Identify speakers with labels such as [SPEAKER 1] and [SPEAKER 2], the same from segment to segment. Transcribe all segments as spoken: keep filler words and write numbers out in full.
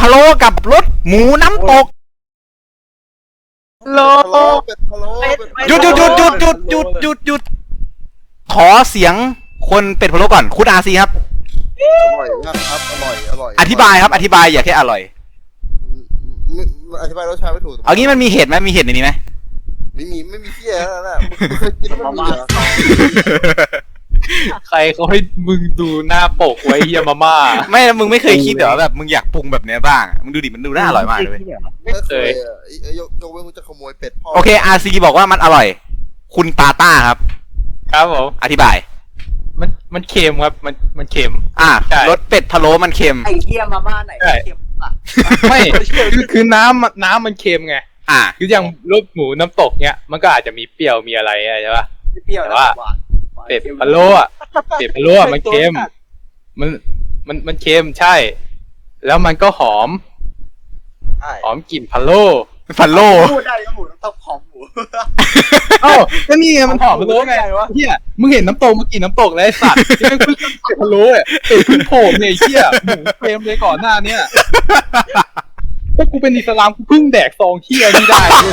[SPEAKER 1] ะโล้กับรสหมูน้ำตก
[SPEAKER 2] โล
[SPEAKER 3] เป็ดพะโล้เป็ดพะโล้
[SPEAKER 1] หยุดหยุดหยุดหยุดหยุดหยุดหยุดหยุดขอเสียงคนเป็ดพะโล้ก่อนคุณอาซีครับ
[SPEAKER 3] อร่อยมากครับอร่อยอร่อย
[SPEAKER 1] อธิบายครับอธิบายอย่าแค่อร่อย
[SPEAKER 3] ไม่อธิบายรสชาติไม่ถูก
[SPEAKER 1] เอางี้มันมีเห็ดไหมมีเห็ดในนี้ไหม
[SPEAKER 3] ไม่มีไม่มีเที่ยแล้วนะมึงเคยกินแล้วมันมีเหรอ
[SPEAKER 2] ใครเขาให้มึงดูหน้าปกไว้เฮียมาม่า
[SPEAKER 1] ไม่มึงไม่เคยคิดเหรอแบบมึงอยากปรุงแบบเนี้ยบ้างอะมึงดูดิมันดูน่าอร่อยมากเลยเว้ย
[SPEAKER 3] ไม่เคยอ่ะไอ้ยกยกเว้นมึงจะขโมยเป็ดพ่อ
[SPEAKER 1] โอเคอาซีบอกว่ามันอร่อย คุณตาต้าครับ
[SPEAKER 2] ครับผม
[SPEAKER 1] อธิบาย
[SPEAKER 2] มันมันเค็มครับมันมันเค็ม
[SPEAKER 1] อ่ะ
[SPEAKER 2] ใช่
[SPEAKER 1] รสเป็ดพะโล้มันเค็ม
[SPEAKER 4] ไอ้เทียมาม่าไหน
[SPEAKER 2] ใช่
[SPEAKER 4] เทียมอ่ะ
[SPEAKER 2] ไม่คือคือน้ำมันน้ำมันเค็มไง
[SPEAKER 1] อ่ะ
[SPEAKER 2] คืออย่างรสหมูน้ำตกเนี้ยมันก็อาจจะมีเปรี้ยวมีอะไรอะใช่ปะ
[SPEAKER 4] เปรี้ยว
[SPEAKER 2] แต่
[SPEAKER 4] แล้ว
[SPEAKER 2] ว่า
[SPEAKER 4] หวานหวาน
[SPEAKER 2] เป็ดพะโล้อะเป็ดพะโล้อะมันเค็มมันมันมันเค็มใช่ แล้วมันก็หอม
[SPEAKER 3] ใช่
[SPEAKER 2] หอมกลิ่นพะโล้
[SPEAKER 1] พะโล้
[SPEAKER 4] พูดได้ก็หมูน้ำตกหอมหมู
[SPEAKER 2] เอ้าก็นี่ไงมันหอมพะโล้ไงเฮียมึงเห็นน้ำตกเมื่อกี้น้ำตกแล้วไอ้สัตว์ที่แม่งเพิ่งเป็ดพะโล้อะเป็ดเพิ่งโผล่เนี่ยไอ้เฮียหมูเค็มเลยก่อนหน้าเนี้ยพวกกูเป็นอิสลามกูเพิ่งแดกซองเฮียนี่ได้เลย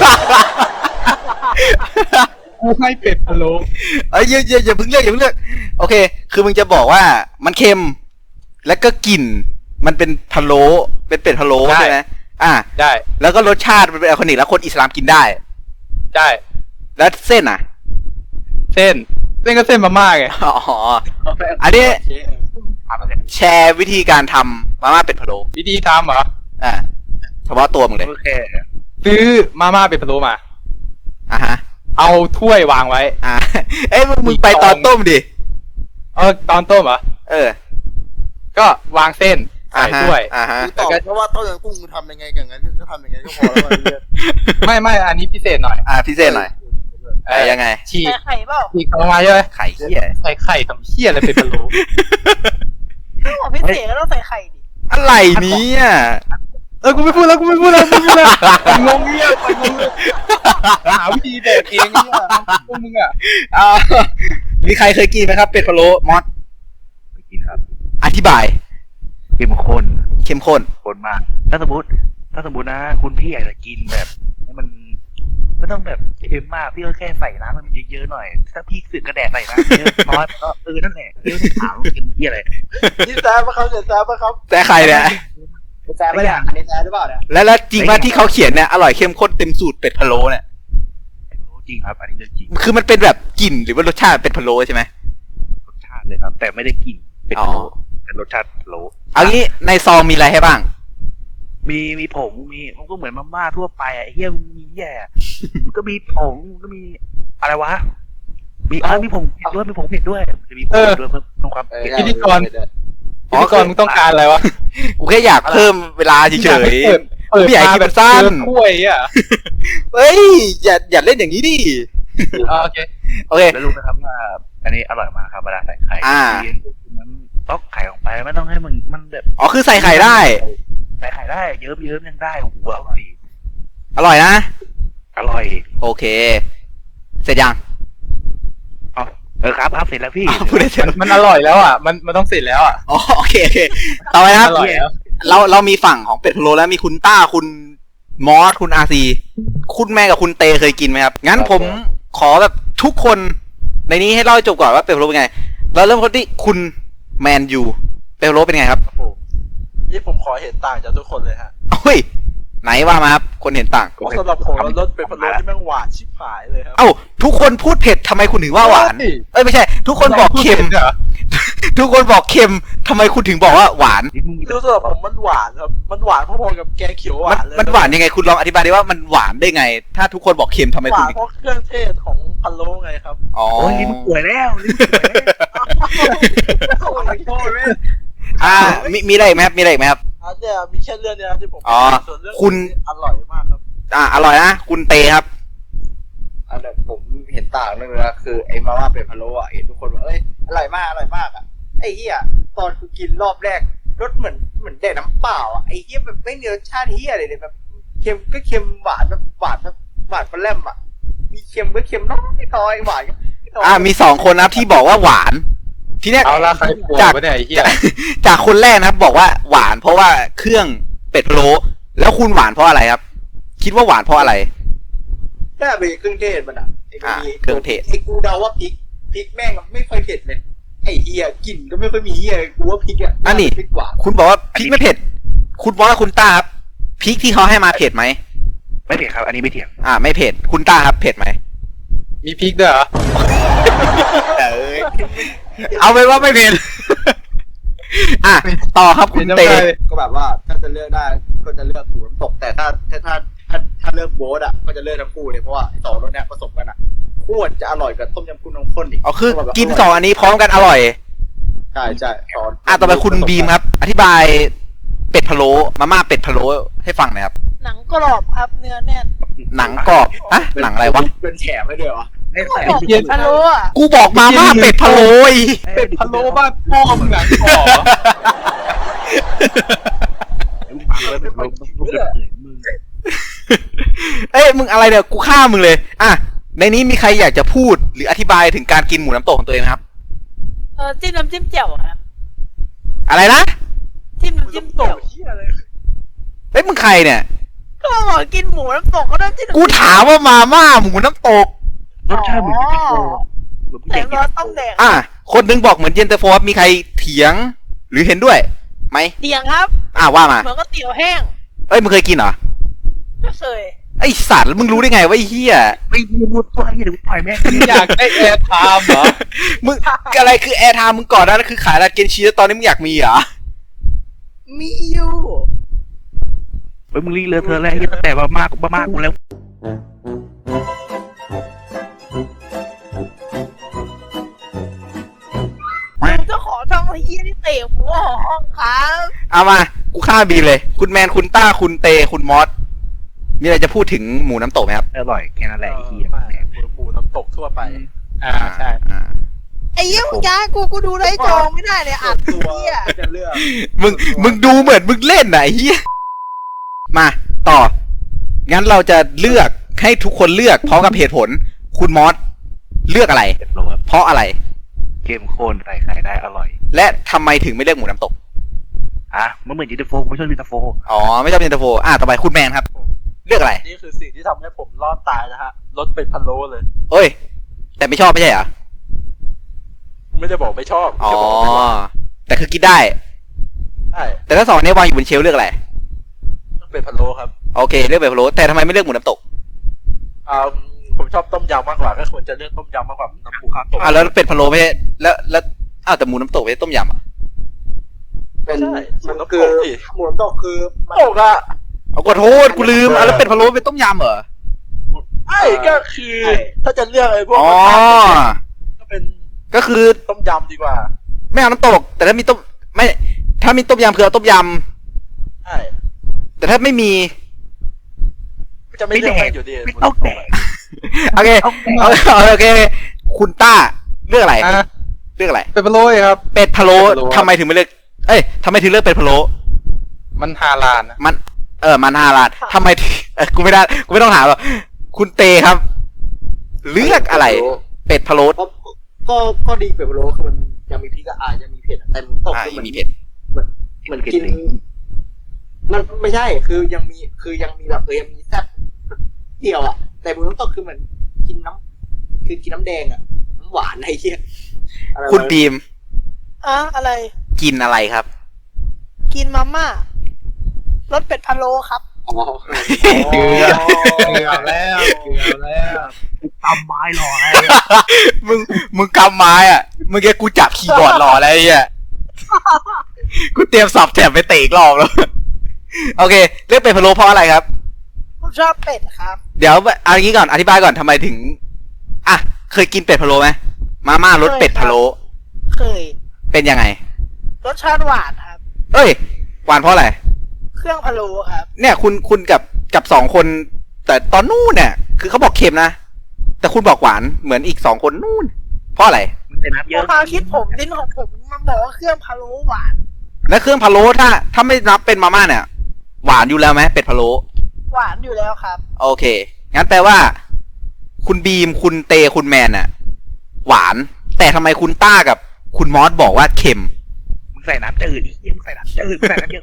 [SPEAKER 2] กูให้เป็ดพะโล้
[SPEAKER 1] เอ้ยอย่าอย่าอย่าเพิ่งเลือกอย่าเพิ่งเลือกโอเค คือมึงจะบอกว่ามันเค็ม แล้วก็กลิ่นมันเป็นพะโล้เป็นเป็ดพะโล้ใช่ไหมอ่ะ
[SPEAKER 2] ได้
[SPEAKER 1] แล้วก็รสชาติมันเป็นแอลคอนิกแล้วคนอิสลามกินได้
[SPEAKER 2] ได้
[SPEAKER 1] แล้วเส้นอ่ะ
[SPEAKER 2] เส้นเส้นก็เส้นมาม่าไง
[SPEAKER 1] อ๋อ อันนี้ แชร์วิธีการทำมาม่าเป็ดพะโล้
[SPEAKER 2] วิธีทำเหรอ
[SPEAKER 1] อ่ะเฉพาะตัวมึงเลย
[SPEAKER 2] โอเคซื้อมาม่าเป็นพะโล้มา
[SPEAKER 1] อ่ะฮะ
[SPEAKER 2] เอาถ้วยวางไว้
[SPEAKER 1] อ่ะ เอ้ยมึงมึงไปตอนต้มดิ
[SPEAKER 2] เออตอนต้มเหรอ
[SPEAKER 1] เออ
[SPEAKER 2] ก็วางเส้นใส่
[SPEAKER 1] อ่าฮะ
[SPEAKER 2] ถ้วย
[SPEAKER 1] อ่าฮะ
[SPEAKER 3] มึงตอบเพราะว่าต้มยำกุ้งมึงทำยังไงกันงั้นก็ทำยังไงก็พอแล้วไอ้เหี้ย
[SPEAKER 2] ไม่ไม่อันนี้พิเศษหน่อย
[SPEAKER 1] อ่ะพิเศษหน่อยเอ้ยยังไง
[SPEAKER 2] ฉีก
[SPEAKER 4] ใส่ไข่เปล่า
[SPEAKER 2] ฉีกออกมาใช่ไหม
[SPEAKER 1] ไข่เหี้ย
[SPEAKER 2] ใส่ไข่ทำเหี้ยอะไรเป็นพะโล้
[SPEAKER 4] ถ้าบอกพิเศษก็ต้องใส่ไข่ดิ
[SPEAKER 1] อะไรเนี้อ่ะ
[SPEAKER 2] เออกูไม่พูดแล้วกูไม่พูดแล้วกูไม่พูดแล้วงงเงี้ยไปงงเลยหาวิธีแดกเองเนี่ยพวกมึงอ่ะ
[SPEAKER 1] อ่ามีใครเคยกินไหมครับเป็ดพะโล้มอส
[SPEAKER 5] ไปกินครับ
[SPEAKER 1] อธิบาย
[SPEAKER 5] เข้มข้น
[SPEAKER 1] เข้มข้น
[SPEAKER 5] ข้นมาก ถ้าสมมติ ถ้าสมมตินะ คุณพี่อยากจะกินแบบให้มันไม่ต้องแบบเค็มมากพี่ก็แค่ใส่น้ำมันเยอะๆหน่อย ถ้าพี่สึกกระแดกใส่น้ำเยอะน้อยก็เออนั่นแหละเยอะที่ถามกินที่อะไร
[SPEAKER 3] นี่แซ่บปะครับเนี่ยแซ่บปะครับ
[SPEAKER 1] แต่ใครเนี่ย
[SPEAKER 4] แซ่บไม่ได้อันนี้แซ่บหรือเปล่าเนี่ย
[SPEAKER 1] แล้วแล้วจริงว่าที่เขาเขียนเนี่ยอร่อยเข้มข้นเต็มสูตรเป็ดพะโล้เนี่ย
[SPEAKER 5] รู้จริงครับ อันนี้เรื่องจริง
[SPEAKER 1] คือมันเป็นแบบกลิ่นหรือว่ารสชาติเป็ดพะโล้ใช่ไหม
[SPEAKER 5] รสชาติเลยครับ แต่ไม่ได้กลิ่นเป็น
[SPEAKER 1] อ๋อ
[SPEAKER 5] โลเป็นรสชาติโล
[SPEAKER 1] เอางี้ในซองมีอะไรให้บ้าง
[SPEAKER 5] มีมีผงมีมันก็เหมือนมาม่าทั่วไปอ่ะไอ้เฮียมันมีแย่มันก็มีผงมันก็มีอะไรวะมีอ่ามีผงเผ็ดด้วยมีผงเผ็ดด้วยจะมีผงเผ็ดด้วยเพิ่มเพิ่มความเผ็ด
[SPEAKER 2] พิธีกรพิธีกรมึงต้องการอะไรวะ
[SPEAKER 1] กูแค่อยากเพิ่มเวลาเฉย
[SPEAKER 2] เปิดเปิด
[SPEAKER 1] ไม่อยากให้
[SPEAKER 2] มา
[SPEAKER 1] กิน
[SPEAKER 2] แบ
[SPEAKER 1] แบบ บสั้น
[SPEAKER 2] เจอถ้วยอ่ะ
[SPEAKER 1] ๆเฮ้ยอย่าอย่าเล่นอย่างนี้ดิ
[SPEAKER 2] อ่าโอเค
[SPEAKER 1] โอเค
[SPEAKER 5] แล้วรู้นะครับว่าอันนี้อร่อยมากครับเวลาใส่ไข่
[SPEAKER 1] อ่า
[SPEAKER 5] มันต้องไข่ออกไปไม่ต้องให้มันมันแบบ
[SPEAKER 1] อ๋อคือใส่ไข่ได้
[SPEAKER 5] ใส่ไข่ได้เยิ้มเยิ้มยังได้โอ้โหอร่อย
[SPEAKER 1] อร่อยนะ
[SPEAKER 5] อร่อย
[SPEAKER 1] โอเค เสร็จยัง
[SPEAKER 5] อ๋อเออครับครับเสร็จแล้วพี่
[SPEAKER 1] อ้าวพูดได้เสร็จ
[SPEAKER 2] มันมันอร่อยแล้วอ่ะมันมันต้องเสร็จแล้วอ่ะ
[SPEAKER 1] อ๋อโอเคโอเคต่อไปนะครับ
[SPEAKER 2] อร่อยแล้ว
[SPEAKER 1] เราเรามีฝั่งของเป็ดพะโล้แล้วมีคุณต้าคุณมอสคุณอาซีคุณแม่กับคุณเตเคยกินไหมครับงั้นผมขอแบบทุกคนในนี้ให้เล่าให้จบก่อนว่าเป็ดพะโล้เป็นไงเราเริ่มคนที่คุณแมนยูเป็ดพะโล้เป็นไงครับ
[SPEAKER 3] นี่ผมขอเห็นต่างจากทุกคนเลยฮะ
[SPEAKER 1] เฮ้ยไหนว่ามาครับคนเห็นต่าง
[SPEAKER 3] เพราะสำหรับผมแล้วรสเป็ดพะโล้ที่แม่งหวานชิบหายเลยครับ
[SPEAKER 1] เอ้าทุกคนพูดเผ็ดทำไมคุณถึงว่าหวาน
[SPEAKER 2] เฮ้ย
[SPEAKER 1] เอ้ยไม่ใช่ ทุกคนบอกเค็ม
[SPEAKER 2] เหรอ
[SPEAKER 1] ทุกคนบอกเค็มทำไมคุณถึงบอกว่าหวาน
[SPEAKER 5] นี่มึงมี
[SPEAKER 3] คือสำหรับผมมันหวานครับมันหวานพอๆกับแกงเขียวห
[SPEAKER 1] มัน
[SPEAKER 3] วานเลย
[SPEAKER 1] มันหวานยังไงคุณลองอธิบายได้ว่ามันหวานได้ไง ถ้าทุกคนบอกเค็มทำไม
[SPEAKER 3] ห
[SPEAKER 1] คุณ
[SPEAKER 3] วาน
[SPEAKER 1] ถึง
[SPEAKER 3] เพราะเครื่องเทศของพะโล้ไงครับ
[SPEAKER 1] อ๋อ
[SPEAKER 5] โอ้ยนี่มึงป่วยแล้วนี่มึงป่วยแล้ว
[SPEAKER 3] โอ้ยโทษแม่
[SPEAKER 1] อ่ามีมีอะไรอีกไหมครับมีอะไรอีกไหมครับ
[SPEAKER 3] อันเนี้ยมีแค่เรื่องเนี้ยนะที่ผม
[SPEAKER 1] อ๋อ
[SPEAKER 3] ส่วนเรื่อง
[SPEAKER 1] คุณ
[SPEAKER 3] อร่อยมากครับ
[SPEAKER 1] อ่าอร่อยนะคุณเตครับ
[SPEAKER 4] อันนี้ผมเห็นต่างนึงนะคือไอ้มาม่าเป็ดพะโล้อ่ะเห็นทุกคนว่าเอ้ยอร่อยมากอร่อยมากอ่ะไอ้เหี้ยตอนกูกินรอบแรกรสเหมือนเหมือนแดกน้ำเปล่าอ่ะไอ้เหี้ยแบบไม่มีรสชาติเหี้ยอะไรเลยแบบเค็มก็เค็มหวานแบบหวานแบบหวานปลาแรมอ่ะมีเค็มก็เค็มน้อยน้อยหวานก็น้อย
[SPEAKER 1] อ่ามีสองคนนะครับที่บอกว่าหวาน ทีเนี้ย
[SPEAKER 2] เอาละใครป่วย
[SPEAKER 1] จาก
[SPEAKER 2] วะเนี่ยไอ้เหี้ย
[SPEAKER 1] จากจากคนแรกนะครับบอกว่าหวาน เพราะว่าเครื่องเป็ดพะโล้แล้วคุณหวานเพราะอะไรครับ คิดว่าหวานเพราะอะไร
[SPEAKER 4] น่าไปเครื่องเทศมันอ่ะไอ้
[SPEAKER 1] อ่า
[SPEAKER 4] มี
[SPEAKER 1] เครื่องเทศ
[SPEAKER 4] ไอ้กูเดาว่าพริกพริกแม่งไม่ค่อยเผ็ดเลยไอ้เฮียกลิ่นก็ไม่ค่อยมีเฮียกูว่าพริกอ่ะ
[SPEAKER 1] อันนี้
[SPEAKER 4] พริกหวาน
[SPEAKER 1] คุณบอกว่าพริกไม่เผ็ด คุณบอกว่าคุณต้าครับพริกที่เขาให้มาเผ็ดไหม
[SPEAKER 5] ไม่เถียงครับ อันนี้ไม่เถียง
[SPEAKER 1] อ่า ไม่เผ็ด คุณต้าครับเผ็ดไหม
[SPEAKER 2] มีพริกด้วยเหรอ
[SPEAKER 4] เอ้ย
[SPEAKER 1] เอาเป็นว่าไม่เผ็ด อ่ะต่อครับคุณเต
[SPEAKER 4] ก็แบบว่าถ้าจะเลือกได้ก็จะเลือกหมูน้ำตกแต่ถ้าถ้าถ้าถ้าถ้าเลือกโบ๊ทอ่ะก็จะเลือกทั้งคู่เลยเพราะว่าไอ้สองรสเนี้ยผสมกันอ่ะโคตรจะอร่อยกับต้มยำกุ้งน้ำข้นอีก
[SPEAKER 1] เอาคือกินสองอันนี้พร้อมกันอร่อย
[SPEAKER 4] ใช่ใช่สอน
[SPEAKER 1] อ่ะต่อไปคุณบีมครับ อธิบายเป็ดพะโล้มาม่าเป็ดพะโล้ให้ฟังหน่อยครับ
[SPEAKER 6] หนังกรอบครับเนื้อแน่น
[SPEAKER 1] หนังกรอบอะหนังอะไรวะ
[SPEAKER 4] เป็นแฉมให้ด้วยเหรอ
[SPEAKER 5] ไม่
[SPEAKER 6] กร
[SPEAKER 5] ใส่
[SPEAKER 6] อบ
[SPEAKER 2] เย็น
[SPEAKER 6] พะโล้อะ
[SPEAKER 1] กูบอกมาม่าเป็ดพะโล้ไอ้
[SPEAKER 2] เป็ดพะโล้บ้านพ่อมึงหนังกรอบเหรอ
[SPEAKER 5] ฟังแล้วแบบลมต้องเปิดมือ
[SPEAKER 1] เอ้ยมึงอะไรเนี่ยกูฆ่ามึงเลย อ่ะในนี้มีใครอยากจะพูดหรืออธิบายถึงการกินหมูน้ำตกของตัวเองไหมครับ
[SPEAKER 6] เออจิ้มน้ำจิ้มแจ่วอะครับ
[SPEAKER 1] อะไรนะ
[SPEAKER 6] จิ้มน้ำจิ้มแจ่ว
[SPEAKER 1] เฮ้ยมึงใครเนี่ย
[SPEAKER 6] ก็บอกกินหมูน้ำตกก็ต้องจิ้มน้ำ
[SPEAKER 1] กู
[SPEAKER 6] จิ้ม
[SPEAKER 1] ถามว่ามาม่าหมูน้ำตก
[SPEAKER 5] รสชาติเหมือนเย็นตาโฟเหมือนผู้ให
[SPEAKER 6] แต่
[SPEAKER 5] ญ่กิน
[SPEAKER 6] เราต้องแดก
[SPEAKER 1] อ่ะคนนึงบอกเหมือนเย็นตาโฟครับมีใครเถียง หรือเห็นด้วยไหม
[SPEAKER 6] เตียงครับ
[SPEAKER 1] อ่ะว่ามา
[SPEAKER 6] เหมือนก็เตี๋ยวแห้ง
[SPEAKER 1] เอ้ยมึงเคยกินเหรอ
[SPEAKER 6] ไม่เคย
[SPEAKER 1] ไอสัตว์แล้วมึงรู้ได้ไงว่าไอ้เหี้ย
[SPEAKER 5] ไม่พูดตัวนี้เดี๋ยวปล่อยแม่ง
[SPEAKER 2] มึงอยากได้แอร์ไทม์เหรอ
[SPEAKER 1] มึงอะไรคือแอร์ไทม์มึงก่อนหนานั้นคือขายร้านเกนชีแล้วตอนนี้มึงอยากมีเหรอ
[SPEAKER 6] มีอยู่
[SPEAKER 5] เฮ้ยมึงรีเลอะเธอแล้วตั้งแต่มามากมามากกูแล้ว
[SPEAKER 6] ผมจะขอทำไอ้เหี้ยที่เตะหัวห้องครับ
[SPEAKER 1] เอามา กูฆ่าบีเลย คุณแมน คุณต้า คุณเต คุณมอส มีอะไรจะพูดถึงหมูน้ำตกไหมครับ
[SPEAKER 5] อร่อยแค่นั้นแหละไอ้เหี้ย
[SPEAKER 2] หมูหมูน้ำตกทั่วไป อ่าใช่
[SPEAKER 1] อ่า
[SPEAKER 6] ไอ้เหี้ยมึงจ้ากูกูดูได้จองไม่ได้เลยอัด
[SPEAKER 4] ตัว
[SPEAKER 6] เหี้ย
[SPEAKER 4] จะเลือก
[SPEAKER 1] มึง มึงดูเหมือนมึงเล่นน่ะไอ้เฮียมาต่อ งั้นเราจะเลือกให้ทุกคนเลือกพร้อมกับเหตุผล คุณมอส เลือกอะไร
[SPEAKER 5] เจ็ดโลครับ
[SPEAKER 1] เพราะอะไร
[SPEAKER 5] เข้มข้นใส่ไข่ได้อร่อย
[SPEAKER 1] และทำไมถึงไม่เลือกหมูน้ำตก
[SPEAKER 5] อ่ะมันเหมือนเย็นตาโฟกูไม่ชอบเย็นตาโฟ
[SPEAKER 1] อ๋อ ไม่ชอบเย็นตาโฟ อ่าต่อไปคุณแมนครับ เลือกอะไร
[SPEAKER 2] นี่คือสิ่งที่ทำให้ผมรอดตายนะฮะรสเป็ดพะโล้เลย
[SPEAKER 1] เอ้ย แต่ไม่ชอบไม่ใช่เหรอ
[SPEAKER 2] ไม่ได้บอกไม่ชอบ
[SPEAKER 1] อ๋อ
[SPEAKER 2] แค่บอกว่าไม่ชอบ
[SPEAKER 1] แต่คือกินได้
[SPEAKER 2] ใช่
[SPEAKER 1] แต่ถ้าสองอันนี้วางอยู่บนเชลฟ์เลือกอะไร
[SPEAKER 2] เป็ดพะโล้ครับ
[SPEAKER 1] โอเค เลือกแบบพะโล้แต่ทำไมไม่เลือกหมูน้ำตก
[SPEAKER 2] อ่าผมชอบต้มยำมากกว่าก็ควรจะเลือกต้มยำมากกว่าน้ำหมูน้ำตก
[SPEAKER 1] อ่าแล้วเป็ดพะโล้ไม่ใช่แล้วแล้วอ้าวแต่หมูน้ำตกไม่ใช่ต้มยำอ่ะ
[SPEAKER 4] เป็น
[SPEAKER 2] ใช่หมูน้ำ
[SPEAKER 4] คื
[SPEAKER 2] ต
[SPEAKER 4] อก
[SPEAKER 2] ดิ
[SPEAKER 4] หมูน้ำตกคือมัน
[SPEAKER 2] ตกอ่ะ
[SPEAKER 1] เอาขอโทษกูลืมอ่ะแล้วเป็ดพะโล้เป็นต้มยำเหรอ
[SPEAKER 2] ไอ้ก็คือถ้าจะเลือกไอ้พวก
[SPEAKER 1] อ๋อ
[SPEAKER 2] ก็เป็น
[SPEAKER 1] ก็คือ
[SPEAKER 2] ต้มยำดีกว่า
[SPEAKER 1] ไม่เอาน้ำตก แต่ถ้ามีต้มไม่ ถ้ามีต้มยำคือเอาต้มย
[SPEAKER 2] ใช่
[SPEAKER 1] ำแต่ถ้าไม่มี
[SPEAKER 2] จะไม่เลือกให้อยู่ดี
[SPEAKER 5] ไม่ต้องแดก
[SPEAKER 1] โอเคเอาเอาโอเค คุณต้าเลือกอะไร
[SPEAKER 2] อ่ะ
[SPEAKER 1] เลือกอะไร
[SPEAKER 2] เป็ดพะโล้ครับ
[SPEAKER 1] เป็ดพะโล้
[SPEAKER 2] เป็ดพะโล้
[SPEAKER 1] ทำไมถึงไม่เลือกเอ้ยทำไมถึงเลือกเป็ดพะโล้
[SPEAKER 2] มันฮาลาลนะ
[SPEAKER 1] มันเออมันฮาลาลทำไมถึงเออกูไม่ได้กูไม่ต้องถามหรอกคุณเตครับ เลือกอะไร เป็ดพะโล้
[SPEAKER 4] ก็ก็ก็ดีเป็ดพะโล้คือมันยังมีพริกก็อาจจะมีเผ็ดอะแต่หมูน้ำตก
[SPEAKER 1] อ่า
[SPEAKER 4] คือมัน
[SPEAKER 1] มีเผ็ด
[SPEAKER 4] เหมือนกิน มันไม่ใช่คือยังมีคือยังมีแบบเออยังมีแซ่บเดียวอ่ะแต่หมูน้ำตกคือเหมือนกินน้ำคือกินน้ำแดงอ่ะน้ำหวานอะไรเงี้ยอะไรวะ
[SPEAKER 1] คุณบีม
[SPEAKER 6] อะอะไร
[SPEAKER 1] กินอะไรครับ
[SPEAKER 6] กินมาม่ารสเป็ดพะโล้ครับ
[SPEAKER 4] อ๋อ
[SPEAKER 2] เกลือเกลือแล้วเกลือแล้ว
[SPEAKER 5] ทำไม้รอไง
[SPEAKER 1] มึงมึงกำไม้อ่ะเมื่อกี้กูจับคีย์บอร์ดรอแล้วไอ้เหี้ยกูเตรียมสับแถบไปเตะอีกรอบแล้ว โอเคเลือกเป็ดพะโล้เพราะอะไรครับ
[SPEAKER 6] ผมชอบเป็ดครับ
[SPEAKER 1] เดี๋ยวเอาอย่างนี้ก่อนอธิบายก่อนทำไมถึงอ่ะเคยกินเป็ดพะโล้ไหมมาม่ารสเป็ดพะโล้
[SPEAKER 6] เคย
[SPEAKER 1] เป็นยังไง
[SPEAKER 6] รสชาติหวานครับ
[SPEAKER 1] เอ้ยหวานเพราะอะไร
[SPEAKER 6] เครื่องพะโล้ครับ
[SPEAKER 1] เนี่ยคุณคุณกับกับสองคน แต่ตอนนู่นเนี่ย คือเขาบอกเค็มนะแต่คุณบอกหวานเหมือนอีกสองคนนู่น เพราะอะไร
[SPEAKER 5] มันเป็นน้ำเย
[SPEAKER 6] เพ
[SPEAKER 5] อะ
[SPEAKER 6] ราะความคิดผมลิ้นของผมมันบอกว่าเครื่องพะโล้หวาน
[SPEAKER 1] และเครื่องพะโล้ถ้า ถ้าไม่นับเป็นมาม่าเนี่ย หวานอยู่แล้วไหมเป็ดพะโล้
[SPEAKER 6] หวานอยู่แล้วครับ
[SPEAKER 1] โอเค งั้นแปลว่า คุณบีม คุณเต คุณแมนน่ะ หวาน แต่ทำไมคุณต้ากับคุณมอสบอกว่าเค็ม
[SPEAKER 5] มึงใส่น้ำจืดอีกมึงใส่น้ำจืดมึงใส่น้ำเยอะไป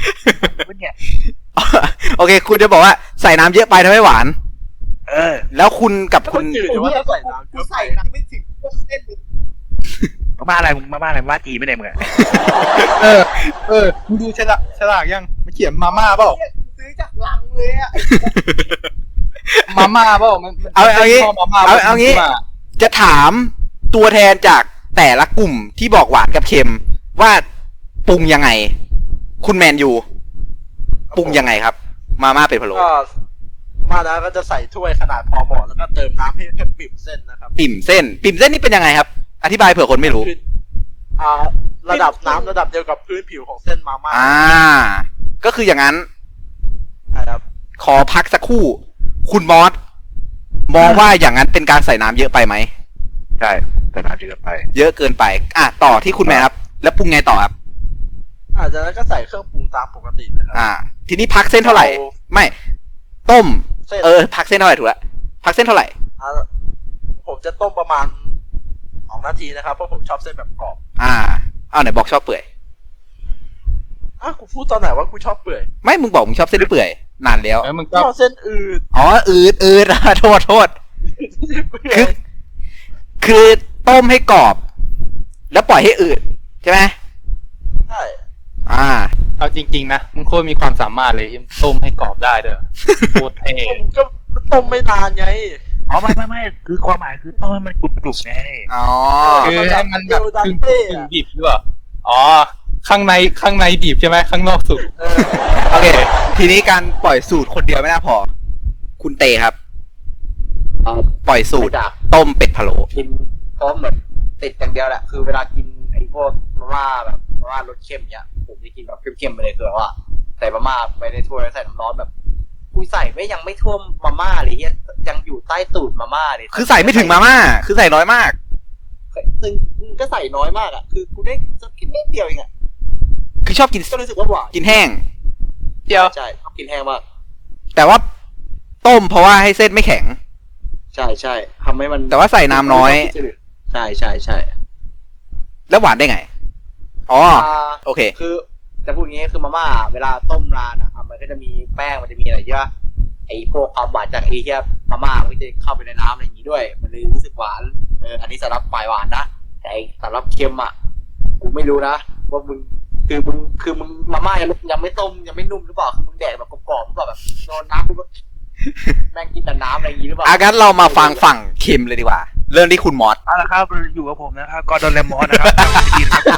[SPEAKER 5] มันเนี่ย
[SPEAKER 1] โอเค คุณจะบอกว่าใส่น้ำเยอะไปทำให้หวาน
[SPEAKER 5] เออ
[SPEAKER 1] แล้วคุณกับคุณ
[SPEAKER 3] จืดหรือว่าใส่น้ำ
[SPEAKER 4] กูใส่น้ำไม่ถึงต้นเส้นเลย
[SPEAKER 5] มาม่าอะไรมึงมาม่าอะไรมาม่าจีนไม่ได้มึงอะ
[SPEAKER 2] เออ เออมึงดูฉลากฉลากยังมันเขียนมาม่าเปล่า
[SPEAKER 4] เนี่ยกูซื้อจากลังเลยอ่ะ
[SPEAKER 2] มาม่าเปล่ามันมัน
[SPEAKER 1] เอาเอางี้
[SPEAKER 2] ชบมาม่า
[SPEAKER 1] เอาเอางี้
[SPEAKER 2] มา
[SPEAKER 1] จะถามตัวแทนจากแต่ละกลุ่มที่บอกหวานกับเค็มว่าปรุงยังไง คุณแมนยูปรุงยังไงครับ มาม่าเป็ดพะโล้
[SPEAKER 3] ก็มาแล้วก็จะใส่ถ้วยขนาดพอเหมาะแล้วก็เติมน้ำให้ให้ปิ่มเส้นนะครับ
[SPEAKER 1] ปิ่มเส้น ปิ่มเส้นนี่เป็นยังไงครับ อธิบายเผื่อคนไม่รู้
[SPEAKER 3] คืออ่าระดับน้ำระดับเดียวกับพื้นผิวของเส้นมาม่า
[SPEAKER 1] อ่า ก็คืออย่างนั้น
[SPEAKER 3] นะครับ
[SPEAKER 1] ขอพักสักครู่ คุณมอสมองว่าอย่างนั้นเป็นการใส่น้ำเยอะไปไหม
[SPEAKER 5] ใช่แต่น้ำเยอะไป
[SPEAKER 1] เยอะเกินไป อ่ะต่อที่คุณแมนครับ แล้วปรุงไงต่อครับ
[SPEAKER 3] อาจจะแล้วก็ใส่เครื่องปรุงตามปกตินะครั
[SPEAKER 1] อ่า ทีนี้พักเส้นเท่าไหร่ ไม่ ต้ม
[SPEAKER 3] เส้น
[SPEAKER 1] เออ พักเส้นเท่าไหร่ถูกละพักเส้นเท่าไหร่
[SPEAKER 3] อ่าผมจะต้มประมาณสองนาทีนะครับเพราะผมชอบเส้นแบบกรอบ
[SPEAKER 1] อ่าเอาไหนบอกชอบเปื่อย
[SPEAKER 3] อ่ะกูพูดตอนไหนว่ากูชอบเปื่อย
[SPEAKER 1] ไม่ มึงบอกมึงชอบเส้นเปื่อย นานแล้ว
[SPEAKER 2] เออมึง
[SPEAKER 3] ช
[SPEAKER 2] ก็
[SPEAKER 3] อบเส้นอืด
[SPEAKER 1] อ๋อ อืดอืด โทษโทษ
[SPEAKER 3] เปื่อ
[SPEAKER 1] คื
[SPEAKER 3] ย
[SPEAKER 1] อ คือต้มให้กรอบ แล้วปล่อยให้อืดใช่ไหม
[SPEAKER 3] ใช่
[SPEAKER 1] อ่า
[SPEAKER 2] เอาจริงๆนะมึงโคตรมีความสามารถเลยต้มให้กรอบได้เด้อโคตรเท่
[SPEAKER 3] ผมก็ต้มไม่นานไง
[SPEAKER 5] อ๋อไม่ไม่ไม่คือความหมายคือต้องให้มันกรุบกรุบไง
[SPEAKER 1] อ๋อ
[SPEAKER 2] คือให้มันแบบกึ่งกึ่งดิบหรือเปล่าอ๋อ ข้างในข้างในดิบใช่ไหมข้างนอกสุก
[SPEAKER 3] เออ
[SPEAKER 1] โอเค ทีนี้การปล่อยสูตรคนเดียวไม่น่าพอ คุณเตครับ ปล่อยสูตร
[SPEAKER 4] ไม่ดัก
[SPEAKER 1] ต้มเป็ดพะโล้
[SPEAKER 4] กินเพราะเหมือนติดอย่างเดียวแหละคือเวลากินไอ้พวกมาม่าแบบมาม่ารสเค็มเนี้ยผมจะกินแบบเข้มๆไปเลยคือแบบว่าใส่มาม่าไปในถ้วยแล้วใส่น้ำร้อนแบบกูใส่ไม่ยังไม่ท่วมมาม่าเลยเฮียยังอยู่ใต้ตูดมาม่าเลย
[SPEAKER 1] คือใส่ไม่ถึงมาม่า คือใส่น้อยมาก
[SPEAKER 4] ซึ่งก็ใส่น้อยมากอ่ะคือกูได้สักแค่นิดเดียวเองอ่ะ
[SPEAKER 1] คือชอบกิน
[SPEAKER 4] ก็รู้สึกว่าหวาน
[SPEAKER 1] กินแห้ง
[SPEAKER 2] เดียว
[SPEAKER 4] ใช่ชอบกินแห้งมาก
[SPEAKER 1] แต่ว่าต้มเพราะว่าให้เส้นไม่แข็ง
[SPEAKER 4] ใช่ใช่ทำให้มัน
[SPEAKER 1] แต่ว่าใส่น้ำน้อย
[SPEAKER 4] ใช่ใช่ใช่
[SPEAKER 1] แล้วหวานได้ไง อ๋อ
[SPEAKER 4] อ่า
[SPEAKER 1] โอเค
[SPEAKER 4] คือจะพูดงี้คือมาม่าเวลาต้มนานอ่ะมันก็จะมีแป้งมันจะมีอะไรเยอะไอ้พวกความหวานจากไอ้เหี้ยมาม่ามันก็จะเข้าไปในน้ำอะไรอย่างงี้ด้วย มันเลยรู้สึกหวานเอออันนี้สำหรับฝ่ายหวานนะแต่ไอ้สำหรับเค็มอ่ะกูไม่รู้นะว่ามึงคือมึงคือมึงมาม่ายังยังไม่ต้มยังไม่นุ่มหรือเปล่าคือมึงแดกแบบกรอบๆหรือเปล่าแบบโดนน้ำปุ๊บแม่งกินแต่น้ำอะไรอย่างงี้หรือเปล่า
[SPEAKER 1] อางั้นเรามาฟังฝั่งเค็มเลยดีกว่า เรื่องที่คุณมอส
[SPEAKER 5] เอาละครับอยู่กับผมนะครับกอร์ดอนแลมมอสนะครับดีนะครับ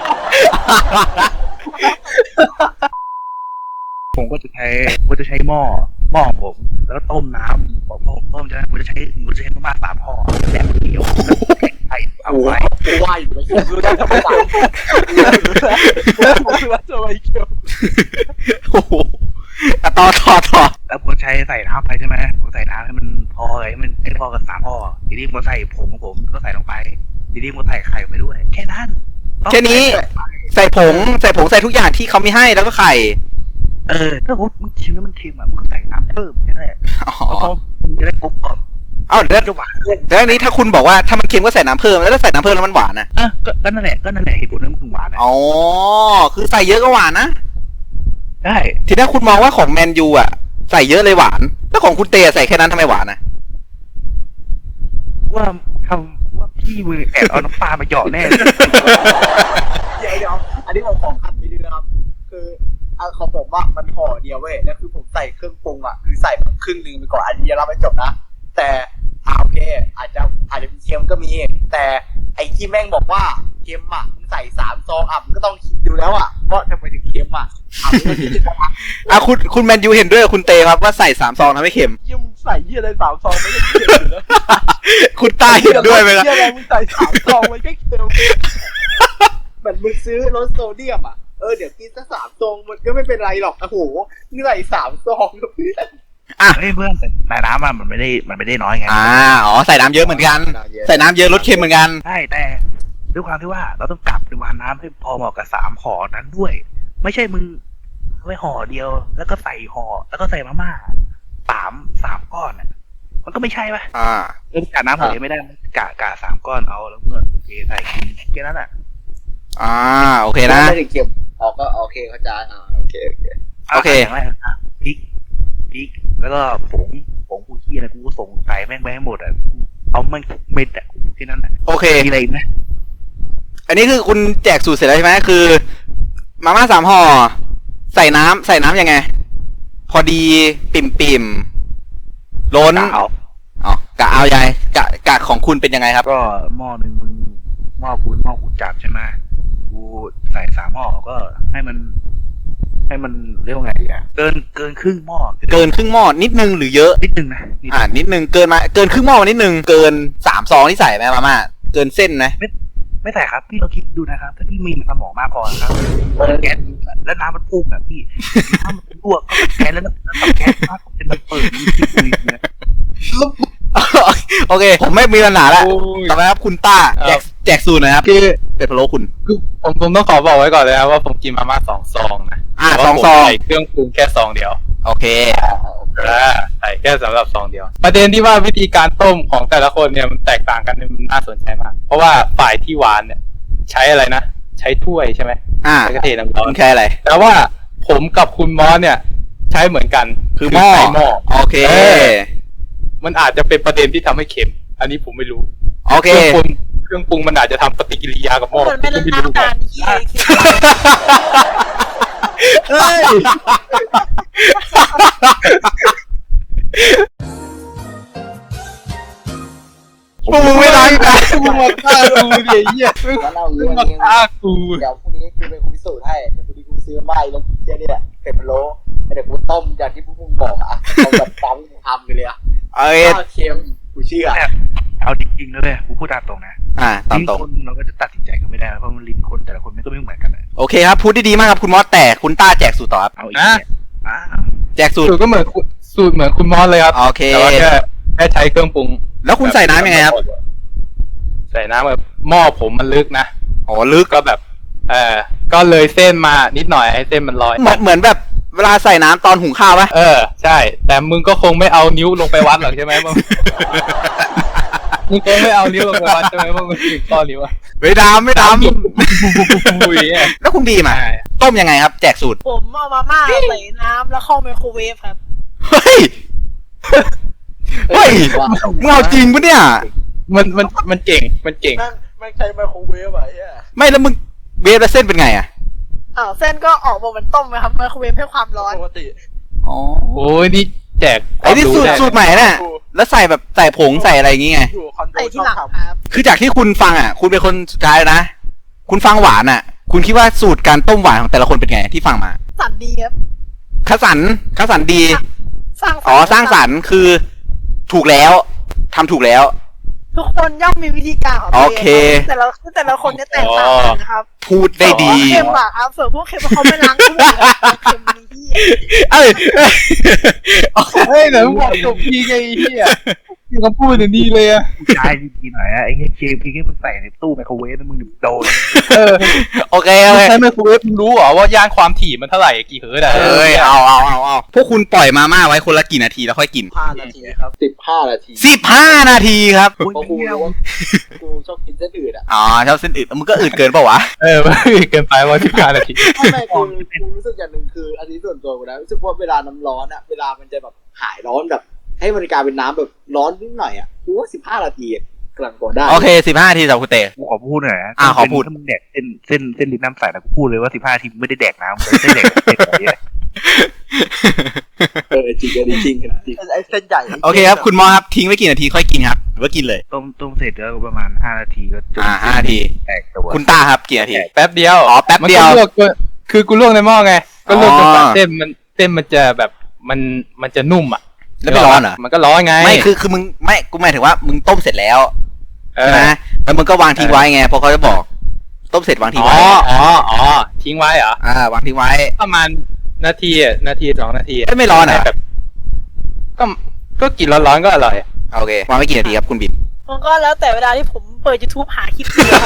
[SPEAKER 5] ผมก็จะใช้ผมจะใช้หม้อหม้อของผมแล้วก็ต้มน้ำผมผมผมจะผมจะใช้ผมจะใช้มาม่าสามห่อแบบเดียวแข็งไข่เอา
[SPEAKER 4] โอ้
[SPEAKER 5] ไว้
[SPEAKER 4] ยกูว่าอยู่ไม่รู้ได้ทำไมต่าง
[SPEAKER 3] ผมคือว่าจะไปเกี่ยว
[SPEAKER 1] โอ้โหอ่ะต่อต่อต่อ
[SPEAKER 5] แล้วผมใช้ใส่น้ำไปใช่ไหมผมใส่น้ำให้มันพอให้มันให้พอกับสามห่อทีนี้ผมใส่ผงของผมก็ใส่ลงไปทีนี้ผมใส่ไข่ไปด้วยแค่นั้น
[SPEAKER 1] แค่นี้ ใส่ผง ใส่ผงใส่ทุกอย่างที่เขาไม่ให้แล้วก็ไข่
[SPEAKER 5] เออถ้าผมมึงชิมแล้วมันเค็มอ่ะมึงก็ใส่น้ำเพิ่มแค่นั้นแหละ
[SPEAKER 1] อ๋อ
[SPEAKER 5] เพราะมึงจะได้กรุบกรอบ
[SPEAKER 1] เอ้าแล้ว
[SPEAKER 5] จะหวาน
[SPEAKER 1] แล้วอันนี้ถ้าคุณบอกว่าถ้ามันเค็มก็ใส่น้ำเพิ่มแล้วถ้าใส่น้ำเพิ่มแล้วมันหวานนะ
[SPEAKER 5] อ่ะก็ก็นั่นแหละก็นั่นแหละเหตุผลที่มันถึงหวานนะ
[SPEAKER 1] อ๋อ คือใส่เยอะก็หวานนะ
[SPEAKER 5] ได้
[SPEAKER 1] ทีนี้คุณมองว่าของแมนยูอ่ะใส่เยอะเลยหวาน แล้วของคุณเตใส่แค่นั้นทำไมหวานนะ
[SPEAKER 5] ว่าทำว่าพี่มือแอบเอาน้ำปลามาหยอดแน่
[SPEAKER 4] เดี๋ยวเดี๋ยวอันนี้ผมขอคัดไปด้วยนะครับ คืออันของผมว่ามันห่อเดียวเว้ยแล้วคือผมใส่เครื่องปรุงอ่ะคือใส่แบบครึ่งหนึ่งไปก่อนอันนี้เราไม่จบนะ แต่อ่าโอเค อาจจะอาจจะมีเค็มก็มี แต่ไอ้ที่แม่งบอกว่าเค็มอ่ะมึงใส่สามซองอ่ะมึงก็ต้องคิดดูแล้วอ่ะว่าทำไมถึงเค็มอ่ะอ่ะมึงก็คิดดูนะ
[SPEAKER 1] อ่ะคุณคุณแมนยูเห็นด้วยกับคุณเตครับว่าใส่สามซองทำให้เค็ม
[SPEAKER 3] เยี่ยมงใส่เยี่ยอะไรสามซองไม่ได้เค็มอยู่แล้ว
[SPEAKER 1] คุณตาเห็นด้วยไหมครับ
[SPEAKER 3] เยี่ยอะไรมึงใส่สามซองมันก็เค็ม
[SPEAKER 4] เหมือนมึงซื้อรสโซเดียมอ่ะเออเดี๋ยวกินสักสามซองมันก็ไม่เป็นไรหรอกโอ้โหมึงใส่สามซองเพื่อน
[SPEAKER 5] เฮ้ยเพื่อนแต่น้ำมันไม่ได้มันไม่ได้น้อยไง
[SPEAKER 1] อ่า อ๋อ ใส่น้ำเยอะเหมือนกัน ใส่น้ำเยอะลดเค็มเหมือนกัน
[SPEAKER 5] ใช่แต่ด้วยความที่ว่าเราต้องกลับปริมาณน้ำให้พอเหมาะกับสามห่อนั้นด้วย ไม่ใช่มึงไว้ห่อเดียว แล้วก็ใส่ห่อแล้วก็ใส่มาม่าสามสามก้อนอ่ะมันก็ไม่ใช่ป่ะ
[SPEAKER 1] อ่า
[SPEAKER 5] เรื่องกะน้ำห่อเดียวไม่ได้กะกะสามก้อนเอาแล้วเงินเทใส่กินแค่นั้นอ่ะ
[SPEAKER 1] อ่า โอเคนะ
[SPEAKER 4] ไม่ถึงเค็มอ๋อก็โอเคเข้าใจอ่าโอเคโอเค
[SPEAKER 1] โอเค
[SPEAKER 5] ย่างแรกนะพริกพริกแล้วก็ผงผงกูขี้อะไรกูก็ส่งใส่แม่งไปให้หมดอ่ะเอาแม่งทุกเม็ดอ่ะแค่นั้นแหละ
[SPEAKER 1] โอเค
[SPEAKER 5] มีอะไรอีกไหม
[SPEAKER 1] อันนี้คือคุณแจกสูตรเสร็จแล้วใช่ไหมคือ มาม่าสามห่อใส่น้ำใส่น้ำยังไง พอดีปิ่มปิ่มๆล้น
[SPEAKER 5] เอา
[SPEAKER 1] อ๋อกะเอายายกะกะของคุณเป็นยังไงครับ
[SPEAKER 5] ก็หม้อหนึ่งมึงหม้อกูหม้อกูจับใช่ไหมกูใส่สามหม้อก็ให้มัน ให้มันเรียกว่าไงดีอ่ะเกินเกินครึ่งหม้อ
[SPEAKER 1] เกินครึ่งหม้อนิดนึงหรือเยอะ
[SPEAKER 5] นิดนึงนะนิดนึง
[SPEAKER 1] อ่านิดนึงเกินมาเกินครึ่งหม้อมานิดนึงเกินสามซองที่ใส่ไหมมาม่าเกินเส้นนะ
[SPEAKER 5] ไม่ใส่ครับพี่เราคิดดูนะครับ ถ้าพี่มีสมองมากพอนะครับแก๊สแล้วน้ำมันพุ่งอ่ะพี่น้ำมันลวกก็แก๊สแล้วน้ำแก๊สมากเป็นมันเปิดมันคิดดูเนี่ย
[SPEAKER 1] โอเค ผมไม่มีปัญหาแล้ว
[SPEAKER 2] โอ้ย
[SPEAKER 1] ต่อไปครับคุณต้าแจกแจกสูตรหนะครับ
[SPEAKER 2] คือ
[SPEAKER 1] เป็ดพะโล้คุณ
[SPEAKER 2] คือผมผมต้องขอบอกไว้ก่อนเลยนะว่าผมกินมาม่าสองซองนะ
[SPEAKER 1] อ่า
[SPEAKER 2] แต่ว่า
[SPEAKER 1] สองซอง
[SPEAKER 2] ผมใส่เครื่องปรุงแค่ซองเดียว
[SPEAKER 1] โอเค
[SPEAKER 2] อ่าใส่แค่สำหรับซองเดียว ประเด็นที่ว่าวิธีการต้มของแต่ละคนเนี่ยมันแตกต่างกันเนี่ยมันน่าสนใจมาก เพราะว่าฝ่ายที่หวานเนี่ย ใช้อะไรนะ ใช้ถ้วยใช่ไหม
[SPEAKER 1] อ่า
[SPEAKER 2] ใช้กระเทียมน้ำร้อ
[SPEAKER 1] คุ
[SPEAKER 2] น
[SPEAKER 1] ณแค่อะไร
[SPEAKER 2] แต่ว่าผมกับคุณมอสเนี่ย ใช้เหมือนกัน
[SPEAKER 1] คือหม้อ
[SPEAKER 2] ใช้หม้อ
[SPEAKER 1] โอเค
[SPEAKER 2] เออ มันอาจจะเป็นประเด็นที่ทำให้เค็ม อันนี้ผมไม่รู้
[SPEAKER 1] โอเค
[SPEAKER 2] เครื่องปรุงเครื่องปรุงมันอาจจะทำปฏิกิริยากับหม้อ
[SPEAKER 6] มันไม่ได้
[SPEAKER 2] ผมก็ไม่รู้
[SPEAKER 6] น้ำตาลที่คือ
[SPEAKER 2] เฮ้ย
[SPEAKER 1] พวกมึงไม่รักกัน
[SPEAKER 2] มึงมาฆ่ากูเดี๋ยวเหี้ย
[SPEAKER 4] แล้วเรา
[SPEAKER 2] มึ
[SPEAKER 4] เรื่อง
[SPEAKER 2] งมา
[SPEAKER 4] นี้
[SPEAKER 2] ฆ่ากู
[SPEAKER 4] เดี๋ยวพรุ่งนี้กูเป็นคนพิสูจน์ให้เดี๋ยวพรุ่งนี้กูซื้อไม่แล้วเจ๊นี่แหละเป็ดพะโล้เดี๋ยวกูต้มอย่างที่พวกมึงบอกอ่ะเอาแบบปั๊มทำไปเลยอ่ะ
[SPEAKER 1] เอ้ย
[SPEAKER 4] ข้าวเค็มกูเชื่อ
[SPEAKER 5] เอาจริงๆนะเลยกูพูดตามตรงนะ
[SPEAKER 1] อ่าตามตรง
[SPEAKER 5] ลิ้นคนเราก็จะตัดสินใจกันไม่ได้เพราะมันลิ้นคนแต่ละคนมันก็ไม่เหมือนกันเลย
[SPEAKER 1] โอเคครับ พูดได้ดีมากครับคุณมอสแต่คุณต้าแจกสูตรต่อครับ
[SPEAKER 5] เอาอีกเนี่ยอ่า
[SPEAKER 1] แจกสูตร
[SPEAKER 2] สูตรก็เหมือนคุณสูตรเหมือนคุณมอสเลยครับ
[SPEAKER 1] โอเค
[SPEAKER 2] แต่ว่าแค่แค่ใช้เครื่องปรุง
[SPEAKER 1] แล้วคุณใส่น้ำยังไงครับ
[SPEAKER 2] ใส่น้ำแบบหม้อผมมันลึกนะ
[SPEAKER 1] อ๋อลึก
[SPEAKER 2] ก็แบบ เออก็เลยเส้นมานิดหน่อยให้เส้นมันลอย
[SPEAKER 1] เหมือนเหมือนแบบเวลาใส่น้ำตอนหุงข้าวปะ
[SPEAKER 2] เออ ใช่ แต่มึงก็คงไม่เอานิ้วลงไปวัดหรอกใช่ไหมมึง มึงคงไม่เอานิ้วลงไปวัดใช่ไหมว่ามึงถึงข้อนิ้วอะ
[SPEAKER 1] ไม่ดำไม่ด
[SPEAKER 2] อุ้ยเนี่ย
[SPEAKER 1] ำแล้วคุณบีมอ่ะต้มยังไงครับ แจกสูตร
[SPEAKER 6] ผมเอามาม่าใส่น้ำแล้วเข้าไมโครเวฟครับ
[SPEAKER 1] เฮ้ย เฮ้ย
[SPEAKER 4] ว่า
[SPEAKER 1] มึงเอาจริงปะเนี่ย
[SPEAKER 2] มันมันมันเก่งมันเก่ง
[SPEAKER 3] แม่งแม่งใช้ไมโครเวฟอะไอ้เหี้ย
[SPEAKER 1] ไม่แล้วมึงเวฟแล้วเส้นเป็นไงอ่ะ
[SPEAKER 6] อ้าวเส้นก็ออกมาเหมือนต้มไหมครับไมโครเวฟให้ความร้อน
[SPEAKER 3] ปกติ
[SPEAKER 1] อ๋อ
[SPEAKER 2] โอ้ยนี่แจก
[SPEAKER 1] ไอ้นี่สูตร
[SPEAKER 2] ได้
[SPEAKER 1] สูตรใหม่น่ะ แล้วใส่แบบใส่ผงใส่อะไรอย่างงี้ไง
[SPEAKER 3] อยู่คอนโด
[SPEAKER 6] ใส่
[SPEAKER 3] ช
[SPEAKER 6] ที่
[SPEAKER 3] อบ
[SPEAKER 6] หลัง
[SPEAKER 3] ทำ
[SPEAKER 6] ครับ
[SPEAKER 1] คือจากที่คุณฟังอ่ะ คุณเป็นคนสุดท้ายแล้วนะ คุณฟังหวานอ่ะ คุณคิดว่าสูตรการต้มหวานของแต่ละคนเป็นไงที่ฟังมา
[SPEAKER 6] สันดีครับ
[SPEAKER 1] คัสันคัสันดี
[SPEAKER 6] สร้างสรรค์
[SPEAKER 1] อ๋อ สร้างสรรค์คือถูกแล้วทำถูกแล้ว
[SPEAKER 6] ทุกคนย่อมมีวิธีการของตัว
[SPEAKER 1] โอ
[SPEAKER 6] เอง
[SPEAKER 1] เค
[SPEAKER 6] ครับแต่ละแต่ละคนจะแตกต่างกันนะครับ
[SPEAKER 1] พูดได้ดี
[SPEAKER 6] เค็มอะครับส่วนพวกเค็มเขาไม่ล้างถ้วยครับเค็มนี่พี่
[SPEAKER 1] เอ้ย
[SPEAKER 2] เฮ้ยเดี๋ยวมึงบอกจบทีไงไอ้เหี้ยมึงก็พูดอย่างนี้เลยอะ
[SPEAKER 5] ใช่จริงๆหน่อยอะไอ้เหี้ยเกมพี่แค่มึงใส่ในตู้ไมโครเวฟแล้วมึงโดน
[SPEAKER 2] เออ
[SPEAKER 1] โอเคโอเค
[SPEAKER 2] ใช้ไมโครเวฟมึงรู้เหรอว่าย่านความถี่มันเท่าไหร่กี่เฮิร์ตซ์อะ
[SPEAKER 1] เอ้ยเอาเอาเอาเอาพวกคุณปล่อยมาม่าไว้คนละกี่นาทีแล้วค่อยกิน
[SPEAKER 3] ห้านาทีครับ
[SPEAKER 4] สิบห้านาที
[SPEAKER 1] สิบห้านาทีครับ
[SPEAKER 4] เพราะกูรู้ว่ากูชอบกินเส้นอื่นอ่ะ
[SPEAKER 1] อ๋อชอบเส้นอืดมึงก็อืดเกินเปล่าวะ
[SPEAKER 2] เออมันเกินไปว่าสิบห้านาที
[SPEAKER 4] ไม่ไม่กูกูรู้สึกอย่างหนึ่งคือ อันนี้ส่วนตัวกูนะรู้สึกว่าเวลาน้ำร้อนอ่ะเวลามันจะแบบหายร้อนแบบ ให้มันกลายเป็นน้ำแบบร้อนนิดหน่อยอ่ะกูว่าสิบห้านาทีกำลังพอได้
[SPEAKER 1] โอเคสิบห้านาทีสำหรับคุณเต
[SPEAKER 5] กูขอพูดหน่อยนะ
[SPEAKER 1] อ่าขอพูด
[SPEAKER 5] ถ้ามึงแดกเส้นเส้นเส้นลิ้นน้ำใสนะกูพูดเลยว่าสิบห้าทีมึงไม่ได้แดกน้ำมึงได้แดกเส้นแบบนี้
[SPEAKER 4] เออจริงอันนี้จริงจริง
[SPEAKER 3] ไอ้เส้นใหญ่
[SPEAKER 1] โอเคครับคุณหมอครับทิ้งไว้กี่นาทีค่อยกินครับหรือว่ากินเลย
[SPEAKER 5] ต้มต้มเสร็จแล้วประมาณห้านาทีก็จน
[SPEAKER 1] อ่าห้านาที
[SPEAKER 5] แตกตัว
[SPEAKER 1] คุณต้าครับกี่นาที
[SPEAKER 2] แป๊บเดียว
[SPEAKER 1] อ๋อแป๊บเดียว
[SPEAKER 2] มันก็ลวกจนคือกูลวกในหม้อไง ก็ลวกจนกว่า
[SPEAKER 1] อ๋อ
[SPEAKER 2] เส้นมันเส้นมันจะแบบมันมันจะนุ่มอ่ะ
[SPEAKER 1] แล้วไม่ร้อนเหรอ
[SPEAKER 2] มันก็ร้อนไง
[SPEAKER 1] ไม่คือคือมึงไม่กูหมายถึงว่ามึงต้มเสร็จแล้ว
[SPEAKER 2] เอ
[SPEAKER 1] ใช่
[SPEAKER 2] อ
[SPEAKER 1] ไหมแล้วมึงก็วางทิ้งไว้ไงเพราะเขาจะบอก ต้มเสร็จวางทิ้ง
[SPEAKER 2] อ๋อ
[SPEAKER 1] ไว้
[SPEAKER 2] อ๋ออ๋อทิ้งไว้เหรอ
[SPEAKER 1] อ่าวางทิ้งไว้
[SPEAKER 2] ประมาณนาทีอ่ะนาทีสองนาทีะ
[SPEAKER 1] เอ้ยไม่ร้อนเหรอ
[SPEAKER 2] แบบก็ก็กินร้อนๆก็อร่อย
[SPEAKER 1] โอเควางไว้กี่นาทีครับคุณบิน
[SPEAKER 6] มันก็แล้วแต่เวลาที่ผมเปิด YouTube หาคลิปดูครับ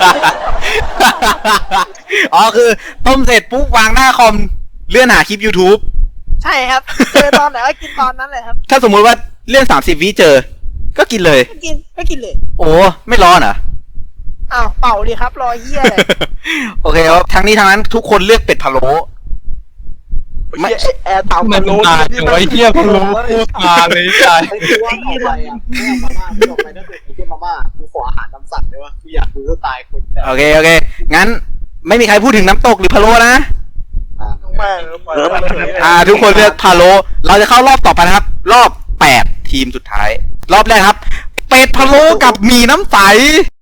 [SPEAKER 1] อ๋อคือต้มเสร็จปุ๊บวางหน้าคอมเลื่อนหาคลิป YouTube
[SPEAKER 6] ใช่ครับ เจอตอนไหนก็กินตอนนั้นเลยครับ
[SPEAKER 1] ถ้าสมมุติว่าเลื่อนสามสิบวิเจอ ก็กินเลย
[SPEAKER 6] ก็กินก็กินเลย
[SPEAKER 1] โอ้ไม่ร้อนเหรอ
[SPEAKER 6] อ้าวเป่าดิครับรอเหี้ยเลย
[SPEAKER 1] โอเคครับทั้งนี้ทั้งนั้นทุกคนเลือกเป็ดพะโล้
[SPEAKER 3] ไม่แอร์ตาม
[SPEAKER 2] มัน
[SPEAKER 3] โล
[SPEAKER 2] ตายจังวะไอ้เหี้ยพะโล้โคตรตาเลยใจ
[SPEAKER 4] ไอ้คือว่าออกไปอ่ะไม่เอามาม่าไม่ออกไปถ้าเกิดไอ้เหี้ยมาม่ากูขออาหารตามสั่งได้วะกูอยากดูสไตล์คนแบบ
[SPEAKER 1] โอเคโอเคงั้นไม่มีใครพูดถึงน้ำตกหรือพะโล้นะ
[SPEAKER 4] อ่ะ
[SPEAKER 3] แม่ง
[SPEAKER 5] เออแบบ
[SPEAKER 1] อ่า ทุกคนเลือกพะโล้เราจะเข้ารอบต่อไปนะครับ รอบแปดทีมสุดท้าย รอบแรกครับ เป็ดพะโล้กับหมี่น้ำใส